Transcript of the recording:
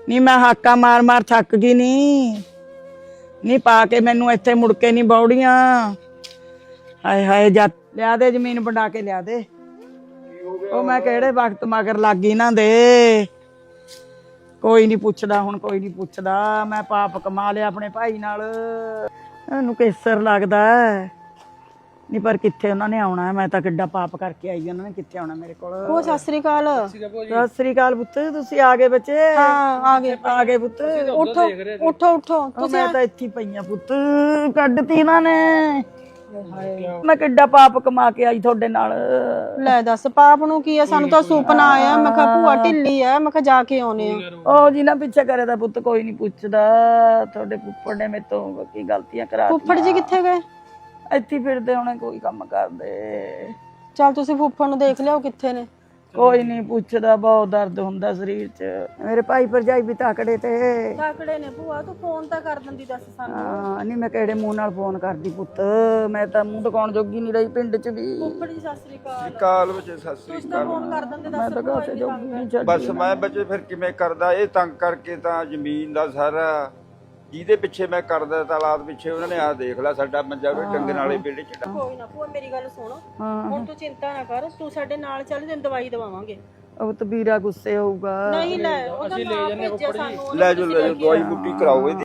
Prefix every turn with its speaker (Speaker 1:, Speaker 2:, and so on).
Speaker 1: ਨੀ ਮੈਂ ਹਾਕਾ ਮਾਰ ਮਾਰ ਥੱਕ ਗਈ ਨੀ ਪਾ ਕੇ ਮੈਨੂੰ ਇੱਥੇ ਮੁੜ ਕੇ ਨਹੀਂ ਬੌੜੀਆਂ। ਹਾਏ ਹਾਏ ਜਾ ਲਿਆ ਦੇ ਜ਼ਮੀਨ ਵੰਡਾ ਕੇ ਲਿਆ ਦੇ। ਉਹ ਮੈਂ ਕਿਹੜੇ ਵਕਤ ਮਗਰ ਲੱਗ ਗਈ ਨਾ ਦੇ। ਕੋਈ ਨਹੀਂ ਪੁੱਛਦਾ ਹੁਣ, ਕੋਈ ਨਹੀਂ ਪੁੱਛਦਾ। ਮੈਂ ਪਾਪ ਕਮਾ ਲਿਆ ਆਪਣੇ ਭਾਈ ਨਾਲ। ਇਹਨੂੰ ਕੇਸਰ ਲੱਗਦਾ ਨਹੀਂ, ਪਰ ਕਿੱਥੇ ਉਹਨਾਂ ਨੇ ਆਉਣਾ। ਮੈਂ ਤਾਂ ਕਿੱਡਾ ਪਾਪ ਕਰਕੇ ਆਈ, ਉਹਨਾਂ ਨੇ ਕਿੱਥੇ ਆਉਣਾ ਮੇਰੇ ਕੋਲ।
Speaker 2: ਉਹ ਸਤਿ ਸ੍ਰੀ ਅਕਾਲ।
Speaker 1: ਸਤਿ ਸ੍ਰੀ ਅਕਾਲ ਪੁੱਤ, ਤੁਸੀਂ ਆ ਗਏ ਬੱਚੇ?
Speaker 2: ਹਾਂ ਆ ਗਏ
Speaker 1: ਪੁੱਤ।
Speaker 2: ਉਠੋ ਉਠੋ ਉਠੋ।
Speaker 1: ਮੈਂ ਤਾਂ ਇੱਥੇ ਪਈਆਂ ਪੁੱਤ, ਕੱਢਤੀ ਇਹਨਾਂ ਨੇ। ਮੈਂ ਕਿੱਡਾ ਪਾਪ ਕਮਾ ਕੇ ਆਈ ਤੁਹਾਡੇ ਨਾਲ।
Speaker 2: ਲੈ ਦੱਸ ਪਾਪ ਨੂੰ ਕੀ ਆ? ਸਾਨੂੰ ਤਾਂ ਸੁਪਨਾ ਆਇਆ। ਮੈਂ ਕਿਹਾ ਭੂਆ ਢਿੱਲੀ ਆ, ਮੈਂ ਕਿਹਾ ਜਾ ਕੇ ਆਉਨੇ ਆ।
Speaker 1: ਉਹ ਜਿਨਾ ਪਿੱਛੇ ਕਰੇ ਦਾ ਪੁੱਤ ਕੋਈ ਨਹੀਂ ਪੁੱਛਦਾ। ਤੁਹਾਡੇ ਫੁੱਫੜ ਨੇ ਮੇਰੇ ਤੋਂ ਕੀ ਗਲਤੀਆਂ ਕਰਾ ਦਿੱਤੀਆਂ।
Speaker 2: ਫੁੱਫੜ ਜੀ ਕਿੱਥੇ ਗਏ?
Speaker 1: ਇੱਥੇ ਫਿਰਦੇ ਹੋਣੇ, ਕੋਈ ਕੰਮ ਕਰਦੇ।
Speaker 2: ਚੱਲ ਤੁਸੀਂ ਫੁੱਫੜ ਨੂੰ ਦੇਖ ਲਿਆਓ ਕਿੱਥੇ ਨੇ।
Speaker 1: ਕੋਈ ਨਹੀਂ ਪੁੱਛਦਾ, ਬਹੁਤ ਦਰਦ ਹੁੰਦਾ ਸਰੀਰ 'ਚ। ਮੇਰੇ ਭਾਈ ਭਰਜਾਈ ਵੀ ਤਾਕੜੇ ਤੇ
Speaker 2: ਤਾਕੜੇ ਨੇ। ਭੂਆ ਤੂੰ ਫੋਨ ਤਾਂ ਕਰ ਦਿੰਦੀ ਦੱਸ ਸਾਨੂੰ।
Speaker 1: ਹਾਂ ਨਹੀਂ, ਮੈਂ ਕਿਹੜੇ ਮੂੰਹ ਨਾਲ ਫੋਨ ਕਰਦੀ ਪੁੱਤ। ਮੈਂ ਤਾਂ ਮੂੰਹ ਦਿਖਾਉਣ ਜੋਗੀ ਨਹੀਂ ਰਹੀ ਪਿੰਡ 'ਚ ਵੀ।
Speaker 2: ਫੁੱਫੜ ਜੀ ਸਤਿ ਸ੍ਰੀ ਅਕਾਲ।
Speaker 3: ਕਾਲ ਵਿੱਚ ਸਤਿ ਸ੍ਰੀ
Speaker 2: ਤੁਸੀਂ ਤਾਂ ਫੋਨ ਕਰ ਦਿੰਦੇ
Speaker 1: ਮੈਂ
Speaker 2: ਦੱਸ।
Speaker 1: ਤਾਂ ਕਾਸੇ ਜੋਗੀ ਨਹੀਂ ਛੱਡੀ।
Speaker 3: ਬਸ ਮੈਂ ਬੱਚੇ ਫਿਰ ਕਿਵੇਂ ਕਰਦਾ, ਇਹ ਤੰਗ ਕਰਕੇ ਤਾਂ ਜ਼ਮੀਨ ਦਾ ਸਾਰਾ ਜਿਹਦੇ ਪਿੱਛੇ ਮੈਂ ਕਰਦਾ ਤਾਲਾਬ ਪਿੱਛੇ, ਉਹਨਾਂ ਨੇ ਆਹ ਦੇਖ ਲਾ ਸਾਡਾ ਮੰਜਾ ਵੀ ਡੰਗਣ ਵਾਲੇ ਵਿਹੜੇ 'ਚ।
Speaker 2: ਕੋਈ ਨਾ ਭੂਆ ਮੇਰੀ ਗੱਲ ਸੁਣ, ਹੁਣ ਤੂੰ ਚਿੰਤਾ ਨਾ ਕਰ। ਤੂੰ ਸਾਡੇ ਨਾਲ ਚੱਲ, ਤੈਨੂੰ ਦਵਾਈ ਦਵਾਵਾਂਗੇ।
Speaker 1: ਉਹ ਤਬੀਰਾ ਗੁੱਸੇ ਹੋਊਗਾ।
Speaker 2: ਨਹੀਂ ਲੈ ਉਹਦਾ ਨਾਮ ਭੇਜਿਆ ਸਾਨੂੰ।
Speaker 3: ਲੈ ਜੋ ਦਵਾਈ ਬੂਟੀ ਕਰਾਓ ਇਹਦੀ।